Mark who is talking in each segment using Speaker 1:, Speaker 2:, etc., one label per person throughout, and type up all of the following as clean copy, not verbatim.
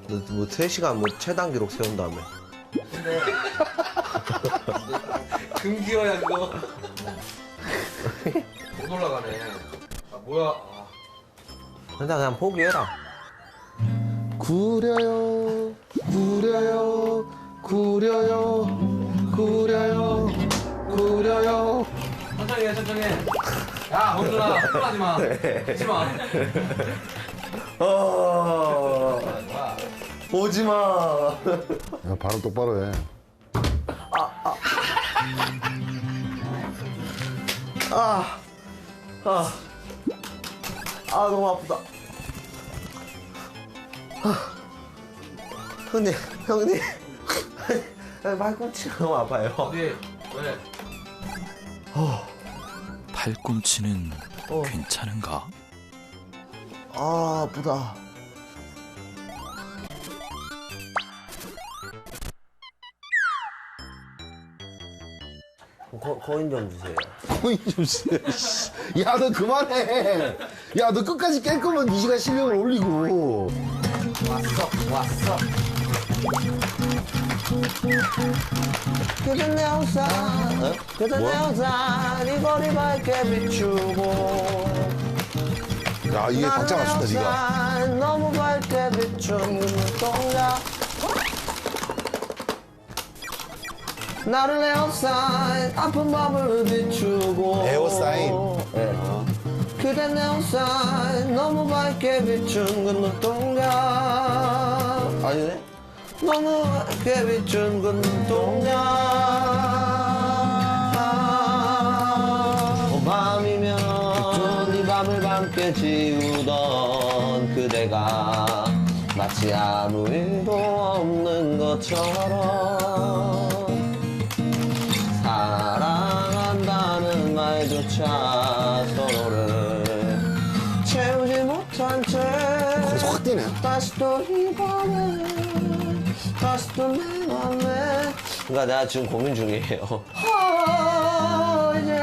Speaker 1: 뭐 3시간 뭐 최단 기록 세운다며.
Speaker 2: 근데 금기어야 그거. 못 올라가네. 아 뭐야? 아.
Speaker 1: 그냥 포기해라.
Speaker 3: 구려요 구려요 구려요 구려요 구려요.
Speaker 2: 천천히 해 천천히 해. 야 범준아 흥분하지 마. 하지 마.
Speaker 1: 오지 마.
Speaker 3: 야, 발음 똑바로 해.
Speaker 1: 너무 아프다. 형님. 발꿈치가 너무 아파요.
Speaker 2: 어디? 왜?
Speaker 4: 팔꿈치는 괜찮은가?
Speaker 1: 아프다. 코인 좀 주세요.
Speaker 3: 코인 좀 쓰. 야, 너 그만해. 야, 너 끝까지 깰 거면 이 시간 실력을 올리고.
Speaker 1: 왔어. 그대 내 우산, 그대 내 우산, 이 거리 밝게 비추고.
Speaker 3: 야, 이게 박자 맞춘다, 니가.
Speaker 1: 우산, 너무 밝게 비춘 눈동자. 나를 에어사인, 아픈 밤을 비추고.
Speaker 3: 에어사인?
Speaker 1: 네. 그대 내 우산, 너무 밝게 비춘 그 눈동자. 아니네? 너무 밝게 비춘 그 눈동자. 밤이면 이 밤을 밤게 지우던 그대가 마치 아무 일도 없는 것처럼 사랑한다는 말조차 서로를 채우지 못한 채
Speaker 3: 거기서 확 뛰네.
Speaker 1: 다시 또 이 밤에 다시 또 내 맘에. 그러니까 내가 지금 고민 중이에요. 이제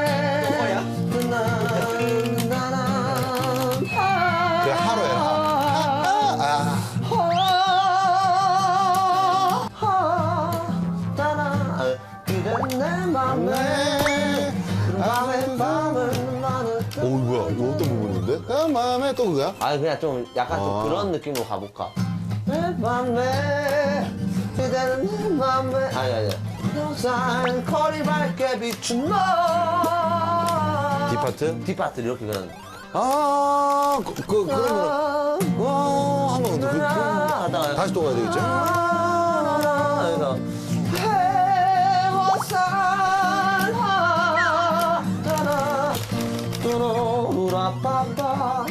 Speaker 3: 그래, 하루 해라.
Speaker 1: 그대 내 맘에
Speaker 3: 오, 뭐야. 이거 어떤 부분인데? 그 마음에 또 그거야?
Speaker 1: 아니 그냥 좀 약간 좀 그런 느낌으로 가볼까? 내 맘에 그대는 내 맘에 아니 항상 거리 밝게 비춘 너
Speaker 3: 뒷파트?
Speaker 1: 뒷파트 이렇게 그냥
Speaker 3: 아, 그러면, 하면 근데
Speaker 1: 하다가
Speaker 3: 다시 또 가야 되겠지?
Speaker 1: 그래서 해워산 하라라라빠빠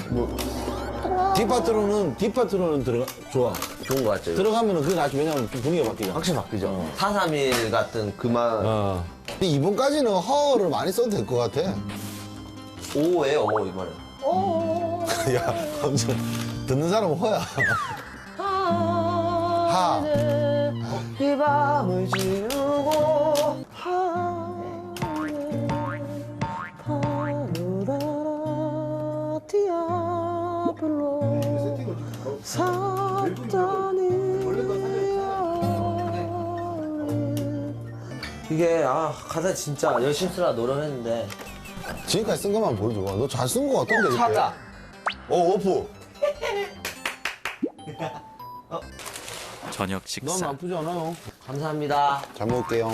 Speaker 3: 뒷파트로는 좋아.
Speaker 1: 좋은 거 같죠?
Speaker 3: 들어가면은 그게 낫지. 왜냐면 분위기가 바뀌잖아.
Speaker 1: 확실히 바뀌죠. 431 같은 그만
Speaker 3: 근데 이번까지는 허를 많이 써도 될 것 같아.
Speaker 1: 오예요 이번에.
Speaker 3: 야, 엄청 듣는 사람은 허야. 하.
Speaker 1: 이 밤을 지우고 파노라라 디아블로 사탄이 이게 가사 진짜 열심히 쓰라 노력했는데
Speaker 3: 지금까지 쓴 것만 보여줘. 너 잘 쓴 것 같던데. 이렇게.
Speaker 1: 찾다.
Speaker 3: 오프.
Speaker 4: 저녁
Speaker 3: 넌
Speaker 4: 식사.
Speaker 3: 나쁘지 않아요.
Speaker 1: 감사합니다.
Speaker 3: 잘 먹을게요.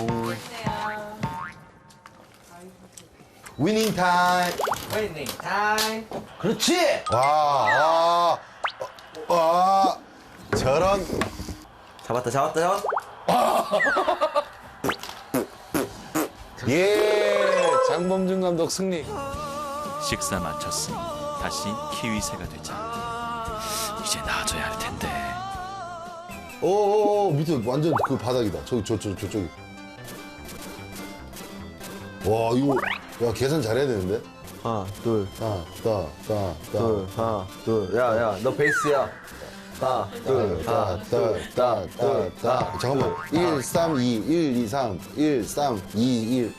Speaker 3: 위닝 타임.
Speaker 2: 웨이팅 타임.
Speaker 1: 그렇지.
Speaker 3: 와. 저런.
Speaker 1: 잡았다.
Speaker 3: 예. 장범준 감독 승리.
Speaker 4: 식사 마쳤으니 다시 키위새가 되자. 이제 나아져야 할 텐데.
Speaker 3: 오, 밑에 완전 그 바닥이다. 저쪽이. 와, 이거, 야, 계산 잘해야 되는데?
Speaker 1: 하나, 둘,
Speaker 3: 하나,
Speaker 1: 둘. 야, 너 베이스야. 하나, 둘.
Speaker 3: 잠깐만. 1, 3, 2, 1, 2, 3, 1, 3, 2, 1.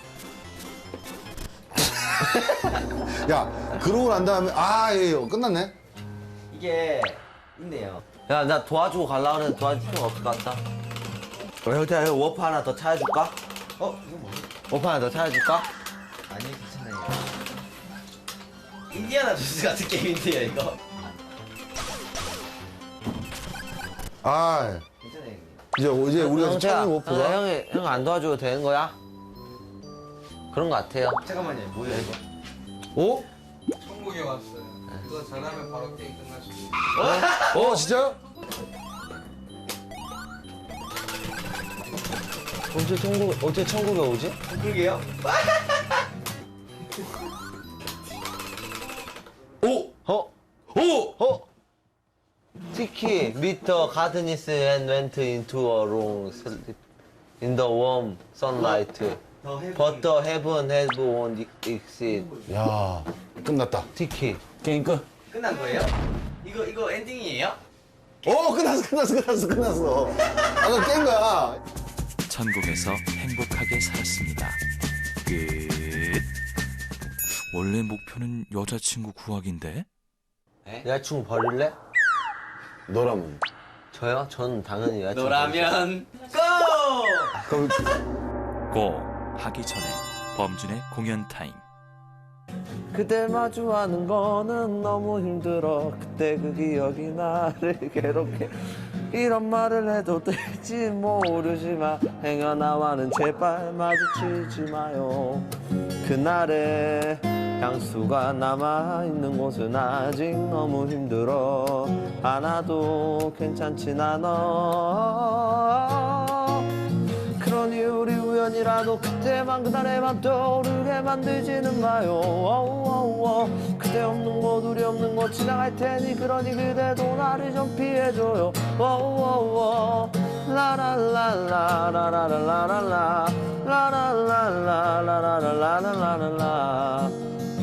Speaker 3: 야, 그러고 난 다음에, 예, 끝났네?
Speaker 2: 이게 있네요.
Speaker 1: 야, 나 도와주고 가려고 하는데 도와줄 필요가 없을 것 같다. 형태야, 형 워프 하나 더 찾아줄까?
Speaker 3: 이거 뭐지?
Speaker 1: 워프 하나 더 찾아줄까?
Speaker 5: 아니 괜찮아요. 인디아나 존스 같은 게임인데요 이거.
Speaker 3: 아,
Speaker 5: 괜찮아요 형님.
Speaker 3: 이제 우리가 찾는 워프가.
Speaker 1: 형 안 도와줘도 되는 거야? 그런 거 같아요.
Speaker 5: 잠깐만요. 뭐예요 이거?
Speaker 3: 어?
Speaker 2: 천국에 왔어요. 이거 잘하면 바로 게임 끝날 수 있어요.
Speaker 3: 진짜?
Speaker 1: 어떻게 천국에 오지?
Speaker 5: 그러게요.
Speaker 1: Tiki, meet the gardeners and went into a room, sleep in the warm sunlight. But the heaven had won't exist.
Speaker 3: 야, 끝났다.
Speaker 1: Tiki.
Speaker 3: 게임 끝.
Speaker 5: 끝난 거예요? 이거 엔딩이에요?
Speaker 3: 끝났어. 아까 깬 거야.
Speaker 4: 천국에서 행복하게 살았습니다. 끝. 원래 목표는 여자친구 구하기인데?
Speaker 1: 여자친구 버릴래?
Speaker 3: 너라면.
Speaker 1: 저요? 전 당연히 여자친구.
Speaker 5: 너라면 고!
Speaker 3: 그럼
Speaker 4: 고 하기 전에 범준의 공연 타임.
Speaker 1: 그댈 마주하는 거는 너무 힘들어. 그때 그 기억이 나를 괴롭게. 이런 말을 해도 될지 모르지만 행여 나와는 제발 마주치지 마요. 그날의 향수가 남아있는 곳은 아직 너무 힘들어. 안아도 괜찮진 않아. 그러니 우리 우연이라도 그때만 그날에만 떠오르게 만들지는 마요. 그대 없는 곳 우리 없는 곳 지나갈 테니 그러니 그대도 나를 좀 피해줘요. 라라라라라라라라라라 라라라라라라라라라라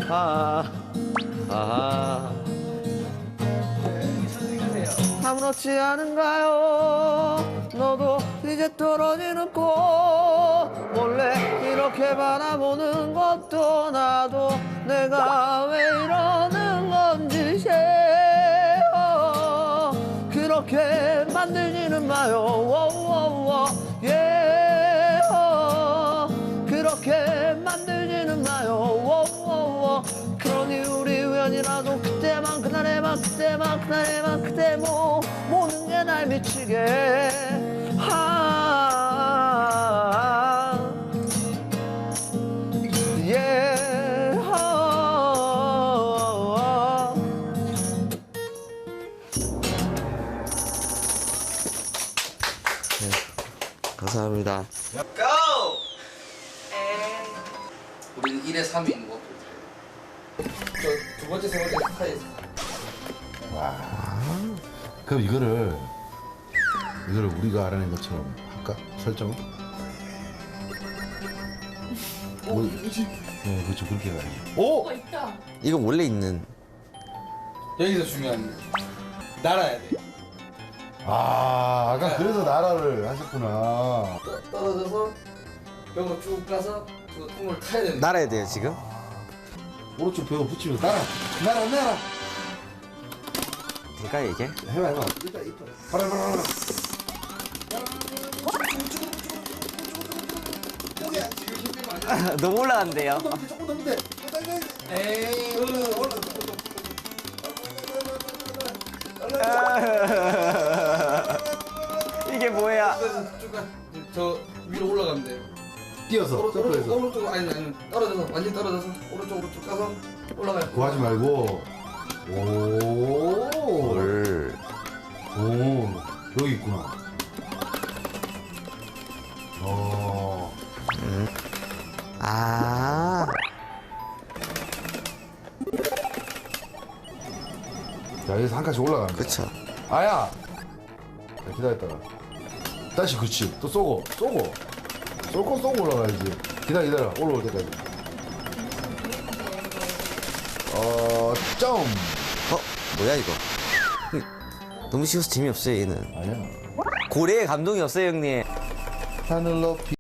Speaker 1: 아무렇지 않은가요? 너도 이제 떨어지는 꽃 몰래 이렇게 바라보는 것도 나도 내가 왜 이러는 건지 그렇게 만들지는 마요. 그렇게 만들지는 마요. 그러니 우리 우연이라도 그때만 그날에만 그때만 그날에만 그때 모든 게 날 미치게 감사합니다.
Speaker 5: 고!
Speaker 2: 우리는 1회 3위인 거. 저 두 번째, 세 번째 스타일.
Speaker 3: 그럼 이거를 우리가 알아낸 것처럼 할까? 설정을? 네, 그렇죠. 그렇게 가야지. 오!
Speaker 1: 이거 원래 있는
Speaker 2: 여기서 중요한 거. 날아야 돼.
Speaker 3: 아까 그래서 나라를 하셨구나.
Speaker 2: 떨어져서 벽으로 쭉 가서 그 꿈을 타야 된다.
Speaker 1: 날아야 돼요 지금?
Speaker 3: 오른쪽 벽을 붙이면서 날아.
Speaker 1: 될까요 이게?
Speaker 3: 해봐. 봐라.
Speaker 1: 너무 올라간대요.
Speaker 3: 조금 넘으면 돼.
Speaker 2: 에이.
Speaker 1: 이게 뭐야?
Speaker 2: 그래서 쭉 가. 이제 저 위로 올라가면 돼요.
Speaker 3: 뛰어서, 점프해서.
Speaker 2: 오른쪽 아니 떨어져서 완전 떨어져서 오른쪽 가서 올라가요.
Speaker 3: 그거 하지 말고. 오. 여기 있구나. 자, 여기서 한 칸씩 올라가는 거야.
Speaker 1: 그쵸.
Speaker 3: 아야! 자, 기다렸다가. 다시 그치. 또 쏘고 올라가야지. 기다려. 올라올 때까지. 점!
Speaker 1: 뭐야 이거? 너무 쉬워서 재미없어요 얘는.
Speaker 3: 아니야.
Speaker 1: 고래의 감동이 없어요 형님.
Speaker 3: 하늘 높이